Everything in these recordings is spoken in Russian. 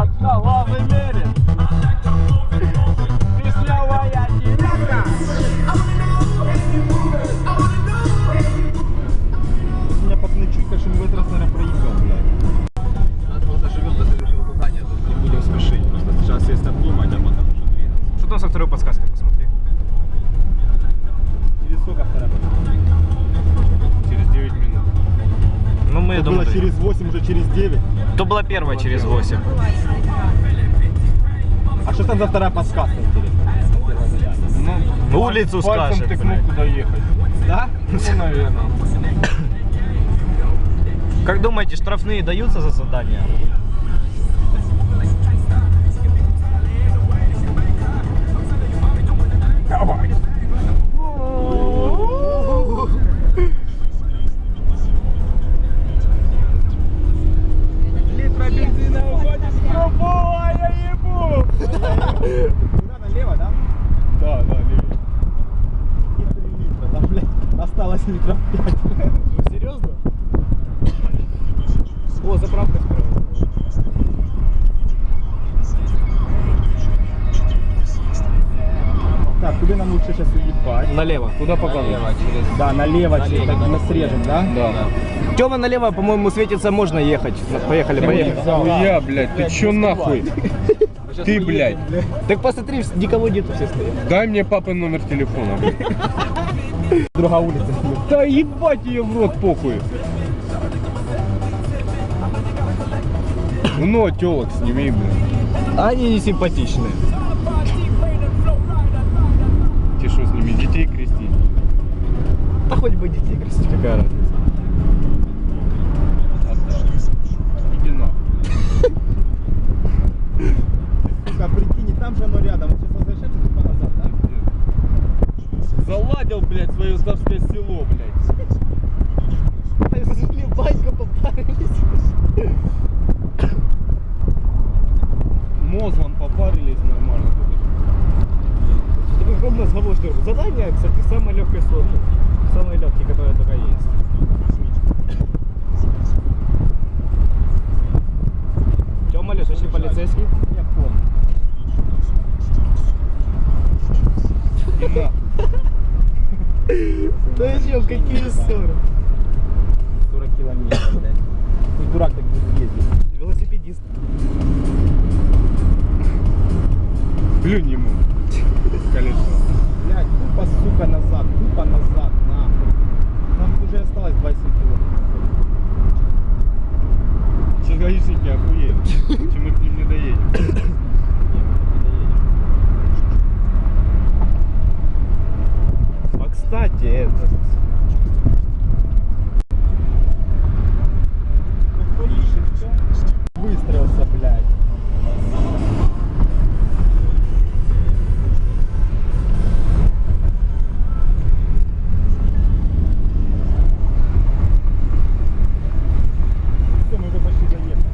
головы мерит. Вишневая девятка. Меня пацаны чуйка, что мы в этот раз, наверное, проебем, блядь. Надо было доживем до следующего задания, тут не будем спешить. Просто сейчас есть обдумать, а потом уже двигаться. Что там со второй подсказкой, посмотри. Через сколько вторая? Через 9 минут. Ну мы, То думаю, было через 8, уже через 9. то была первая через 8. А что там за вторая подсказка, интересно? Ну, улицу пальцем скажет, тыкнуть, блядь. куда ехать. Да? Ну, наверное. Как думаете, штрафные даются за задание? Литра бензина уходит в трубу, а я ебу! Куда, налево, да? Да, левее. И 3 литра, там, блядь, осталось литров 5. Серьезно? О, заправка справа. Так, куда нам лучше сейчас уебать? Налево. Куда показывать? Да, налево, так мы срежем, да? Да. Тёма, налево, по-моему, светится, можно ехать. Поехали, поехали. Хуя, блядь, ты чё нахуй? Ты, блядь. Так посмотри, никого нету, все стоят. Дай мне папин номер телефона. Другая улица. Да ебать ее в рот, похуй. Ну, телок сними, блядь. Они не симпатичные. Ты что, с ними детей крестить? Да хоть бы детей крестить, какая разница. Иди нахуй. Сука, прикинь, там же оно рядом. Мы сейчас возвращаемся тупо назад, да? Заладил, блядь, свое Ставское село, блядь. Банька попарились. Мозгом попарились нормально. Такой огромный разговор, что задание, кстати, самое легкое сложное. Самое легкое, которое только есть. Тёма, Леш, очень полицейский. Я помню. И нахуй. Да чё, какие ссоры? 40 километров, блядь. Ты дурак так будет ездить. Велосипедист. Плюнь ему. Колесо. Блядь, тупо, сука, назад, нахуй. Нам уже осталось 20 километров. Сейчас гаишники охуеют, чем мы к ним не доедем. А кстати, это... Выстроился, блядь. Все, мы уже почти доехали.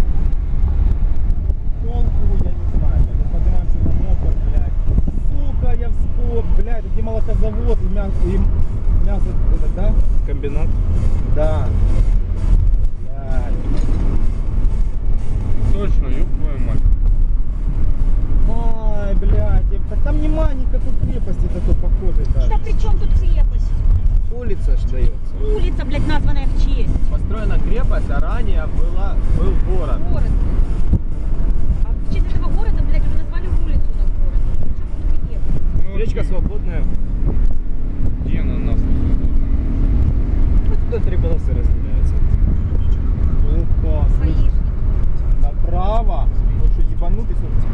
Толку, я не знаю, блядь. Мы поднимаемся на мотор, блядь. Сука, я вспомнил, блядь, где молокозавод и мясо, это, да? Комбинат. Да. Блядь. Точно, ёб твою мать. Ай, блядь, так там нема никакой крепости такой похожей даже. Да при чем тут крепость? Улица ж дается. Улица, блядь, названная в честь. Построена крепость, а ранее был город. Город. А в честь этого города, блядь, уже назвали улицу у нас город. При чем тут крепость? Речка свободная. Где она нас? Вот туда 3 полосы разделяются. Опа, слышь, Гаишник. направо. Вот что, ебанутый,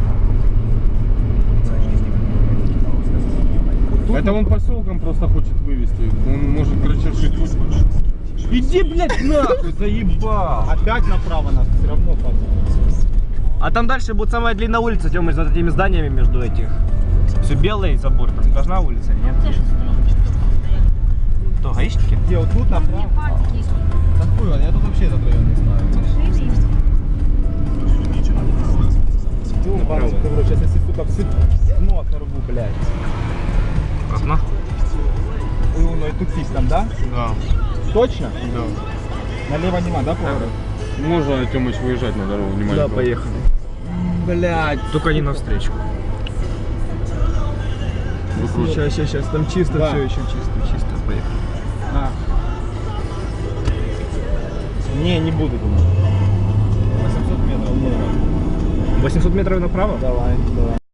Это он поселком просто хочет вывести. Он может, короче, шить. Иди, блядь, нахуй, заебал. Опять направо нас все равно подумать. А там дальше будет самая длинная улица, Тёма, над этими зданиями между этих. Все белый забор, там должна улица, нет? Це ж стоїть. Кто, гаишники? Где, вот тут Там направо? є патики, Такую, я тут вообще этот район не знаю. машини. Ебанутый, ты, бро, сейчас если, сука, все дно оторву, блядь. Окно? Ну и тут есть там, да? Да, Точно? да. Налево нема, да, поворот? Можно, Тёмыч, выезжать на дорогу, внимание. Да, поехали. блядь. Только не навстречу. Сейчас, там чисто, Да. все еще чисто, поехали. А. Не буду, думаю. 800 метров. 800 метров направо? Давай.